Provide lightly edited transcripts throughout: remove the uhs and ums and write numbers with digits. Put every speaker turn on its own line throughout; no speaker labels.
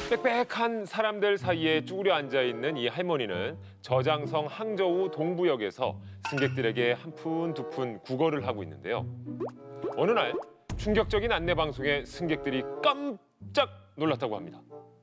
빽빽한 사람들 사이에 쭈그려 앉아있는 이 할머니는 저장성 항저우 동부역에서 승객들에게 한 푼 두 푼 구걸을 하고 있는데요. 어느 날 충격적인 안내 방송에 승객들이 깜짝 놀랐다고 합니다.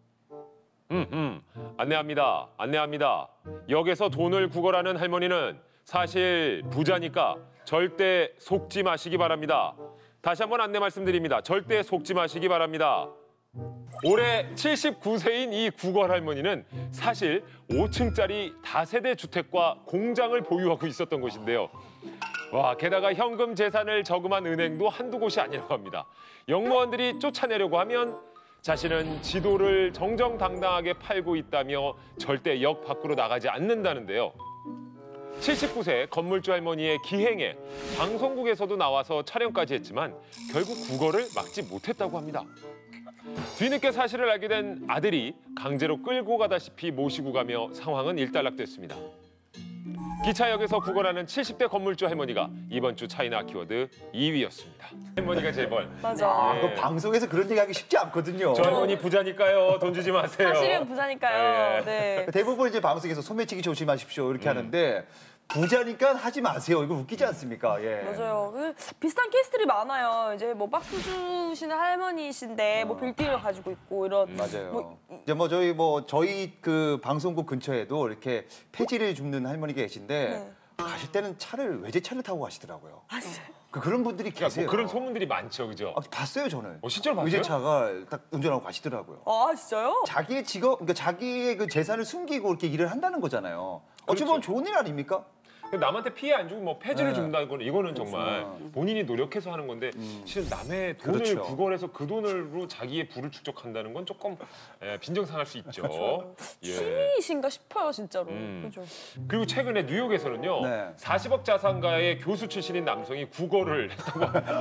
안내합니다. 역에서 돈을 구걸하는 할머니는 사실 부자니까 절대 속지 마시기 바랍니다. 다시 한번 안내 말씀드립니다. 절대 속지 마시기 바랍니다. 올해 79세인 이 구걸 할머니는 사실 5층짜리 다세대 주택과 공장을 보유하고 있었던 곳인데요. 와, 게다가 현금 재산을 저금한 은행도 한두 곳이 아니라고 합니다. 역무원들이 쫓아내려고 하면 자신은 지도를 정정당당하게 팔고 있다며 절대 역 밖으로 나가지 않는다는데요. 79세 건물주 할머니의 기행에 방송국에서도 나와서 촬영까지 했지만 결국 구걸을 막지 못했다고 합니다. 뒤늦게 사실을 알게 된 아들이 강제로 끌고 가다시피 모시고 가며 상황은 일단락됐습니다. 기차역에서 구걸하는 70대 건물주 할머니가 이번 주 차이나 키워드 2위였습니다. 할머니가 재벌.
맞아.
예.
그 방송에서 그런 얘기하기 쉽지 않거든요.
저 할머니 부자니까요. 돈 주지 마세요.
사실은 부자니까요. 네.
대부분 이제 방송에서 소매치기 조심하십시오 이렇게 하는데 부자니까 하지 마세요. 이거 웃기지 않습니까? 예.
맞아요. 비슷한 케이스들이 많아요. 이제 뭐 박수 주시는 할머니이신데 뭐 빌딩을 가지고 있고 이런.
맞아요. 이제 저희 그 방송국 근처에도 이렇게 폐지를 줍는 할머니가 계신데
네.
가실 때는 외제차를 타고 가시더라고요.
아, 진짜요?
그런 분들이 계세요.
뭐 그런 소문들이 많죠, 그죠?
봤어요 저는.
실제로 봤어요?
외제차가 딱 운전하고 가시더라고요.
아, 진짜요?
자기의 직업, 그러니까 자기의 그 재산을 숨기고 이렇게 일을 한다는 거잖아요. 어찌 보면
그렇죠.
좋은 일 아닙니까?
남한테 피해 안 주고 뭐 폐지를
네.
준다는 건 이거는 정말 본인이 노력해서 하는 건데 실은 남의 돈을
그렇죠.
구걸해서 그 돈으로 자기의 부를 축적한다는 건 조금 빈정상할 수 있죠. 예.
취미이신가 싶어요, 진짜로. 그죠?
그리고 최근에 뉴욕에서는요.
네.
40억 자산가의 교수 출신인 남성이 구걸을 했다고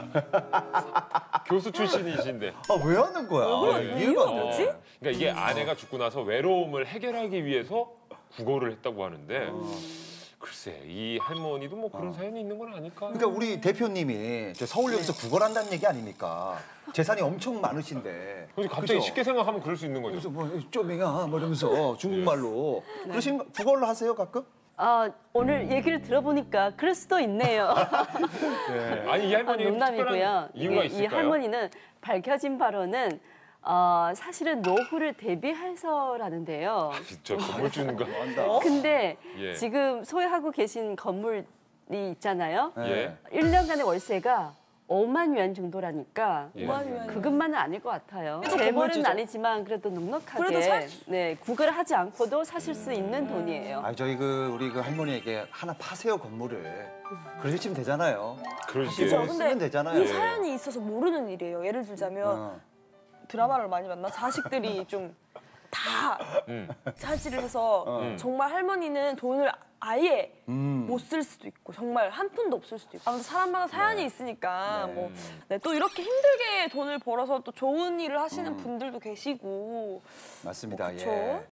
합니다. 교수 출신이신데.
왜 하는 거야?
왜?
이해가 안
뭐지?
돼.
그러니까 이게 아내가 죽고 나서 외로움을 해결하기 위해서 구걸을 했다고 하는데 글쎄 이 할머니도 뭐 그런 사연이 있는 건 아닐까?
그러니까 우리 대표님이 저 서울역에서 구걸한다는 얘기 아닙니까? 재산이 엄청 많으신데.
그래서 갑자기
그죠?
쉽게 생각하면 그럴 수 있는 거죠.
그래서 뭐 쪼맹아 뭐 이러면서 중국말로 구걸로 하세요 가끔?
오늘 얘기를 들어보니까 그럴 수도 있네요.
아니 이 할머니
농담이고요.
특별한 이유가
이
있을까요?
할머니는 밝혀진 바로는 사실은 노후를 대비해서라는데요.
진짜 건물주인가?
근데
예.
지금 소유하고 계신 건물이 있잖아요.
예.
1년간의 월세가 5만 yuan 정도라니까
예.
그것만은 아닐 것 같아요.
그래도
재벌은
건물주죠.
아니지만 그래도 넉넉하게
그래도 살
구걸을 하지 않고도 사실 수 있는 돈이에요.
저희 우리 할머니에게 하나 파세요 건물을. 그러시면 되잖아요.
그러지.
그죠?
쓰면
근데
되잖아요.
이 사연이 있어서 모르는 일이에요. 예를 들자면 드라마를 많이 봤나? 자식들이 좀 다 차지를 해서 정말 할머니는 돈을 아예 못 쓸 수도 있고 정말 한 푼도 없을 수도 있고 아무튼 사람마다 사연이 있으니까 또 이렇게 힘들게 돈을 벌어서 또 좋은 일을 하시는 분들도 계시고
맞습니다.
그렇죠.
예.